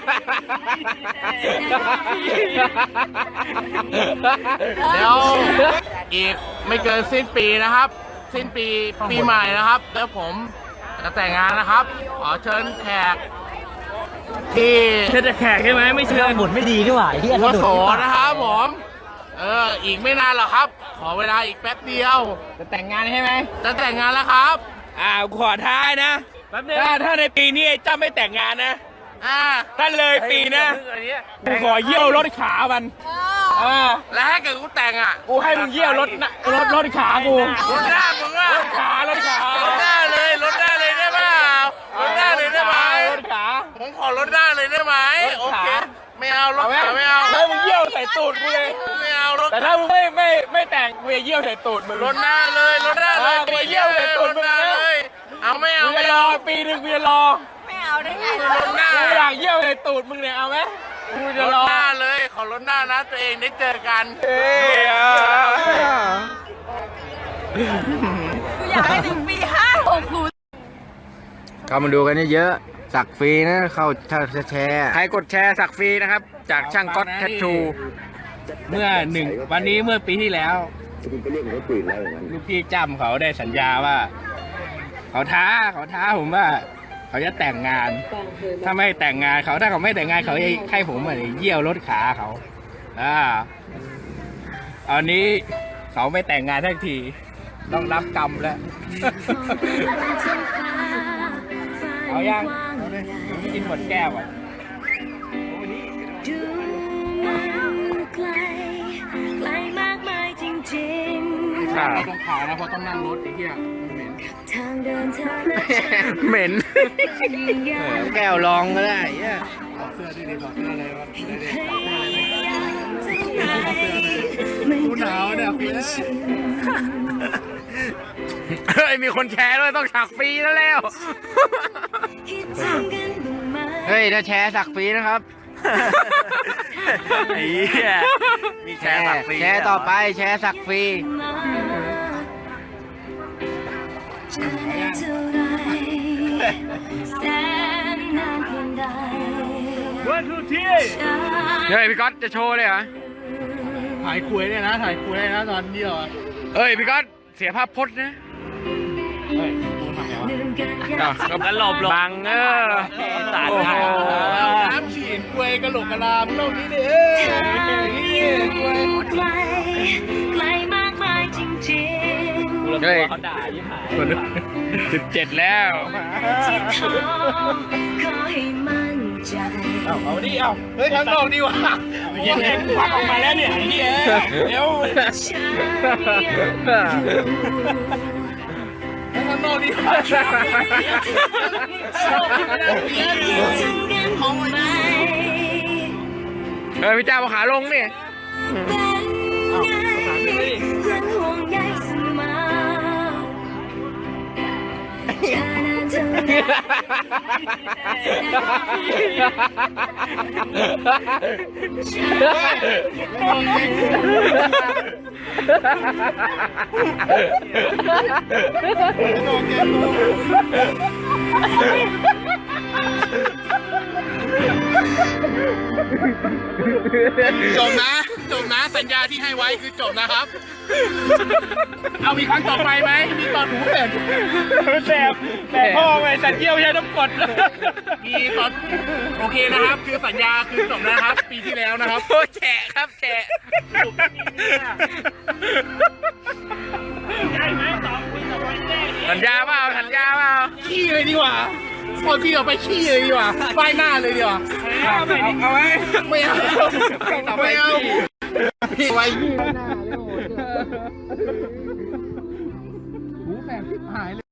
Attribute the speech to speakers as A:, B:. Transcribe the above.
A: เดี๋ยวอีกไม่เกินสิ้นปีนะครับ สิ้นปีใหม่นะครับแล้วผมจะแต่งงานนะครับ ขอเชิญแขกที่
B: เชิญแขกใช่ไหมไม่เชิญ
C: หมุนไม่ดีนี่หว่าที่
A: หัวโสนะครับผมอีกไม่นานหรอกครับ ขอเวลาอีกแป๊บเดียว
B: จะแต่งงานใช่ไหม
A: จะแต่งงานแล้วครับ
B: ขอท้ายนะถ้าในปีนี้เจ้าไม่แต่งงานนะถ้าเลยปีนะกูขอเยี่ยวรถขามัน
A: แล้วถ้าเกิดกูแต่ง
B: กูให้มึงเยี่ยวรถขากู
A: รถหน้ามึง
B: รถขารถ
A: หน้าเลยรถหน้าเลยได้เปล่ารถหน้าเลยได้ไหม
B: รถขา
A: ผมขอรถหน้าเลยได้ไหมโอเคไม่เอารถขาไม่เอา
B: ให้มึงเยี่ยวใส่ตูดกูเลย
A: ไม่เอารถ
B: แต่ถ้ามึงไม่แต่งกูจะเยี่ยวใส่ตูดมึง
A: รถหน้าเลยรถหน้าเลย
B: กูเยี่ยวใส่ตูดมึง
A: เลยเอาไม่เอา
B: ไม่รอปีนึงกูจะรอ
D: ไม่เอาได้ไง
A: รถหน้า
B: กูอยากเยี่ยวใส่ตูดมึงเนี่ยเอาไหมกูจะรอ
A: รถหน้าเลยขอรถหน้านะตัวเองได้เจอกัน
D: กูอยากให้ถึงปี56กู
C: เข้ามาดูกันเยอะสักฟรีนะเข้าแชร์
B: ใครกดแชร์สักฟรีนะครับจากช่างก๊อตแทททูเมื่อปีที่แล้วลูกพี่จำเขาได้สัญญาว่าเขาท้าผมว่าเขาจะแต่งงานถ้าไม่แต่งงานถ้าเขาไม่แต่งงานเขาจะให้ผมเยี่ยวรถขาเขาตอนนี้เขาไม่แต่งงานทันทีต้องรับกรรมแล้วเอายังกินหมดแก้วอ่ะขาตรงขานะเพราะต้องนั่งรถไอ้เหี้ยเหม็นแก้วลองก็ได้ถอดเสื้อดิถอดเสื้ออะไรวะกูหนาวเนี่ยเฮ้ยมีคนแชร์ด้วยต้องสักฟรีแล้ว
C: เฮ้ยถ้าแชร์สักฟรีนะครับ
B: ไอ้เหี้ยมีแชร์สักฟรี
C: แชร์ต่อไปแชร์สักฟรี
B: เฮ้ยพี่ก๊อตจะโชว์เลยเหรอ
A: ถ่ายคุยเนี่ยนะถ่ายคุยนะตอนเดียว
B: เฮ้ยพี่ก๊อตเสียภาพพจน์นะ
A: เฮ้ยกูทำไงวะ
B: ก็หลบบัง
A: สาดน้ำฉีดคุยกระโหลกกระลาโลกนี้ดิ
D: ไกลมากมายจริงๆ
B: เฮ้ยเขาด่ายิ่งหาย17แล้ว
D: ขอให้มั่นใจ
A: เอาดิเฮ้ยข้างนอกดีวะ
B: เย็นๆควักออกมาแล้วเนี่ยไอ้เหี้ยเดี๋ยว
A: ข้างนอกดีวะ
B: พี่เจ้าขาลงเนี่ย
A: จบนะสัญญาที่ให้ไว้คือจบนะครับเอามีครั้งต่อไปไหมมีตอนหูเสร็จ
B: แต่พ่อไปสัญญาไม่ใช่ต้องกด
A: มีตอนโอเคนะครับคือสัญญาคือจบนะครับปีที่แล้วนะครับ
B: แฉะครับแฉะสัญญาเปล่า
A: ขี้เลยดีกว่าพอที่เราไปขี้เลยดีกว่าป้ายหน้าเลยดีกว่า
B: เอาไว้
A: ไม่เอาพี่ไว้ขี้หน้าเลยโอ้โหหูแสบหายเลย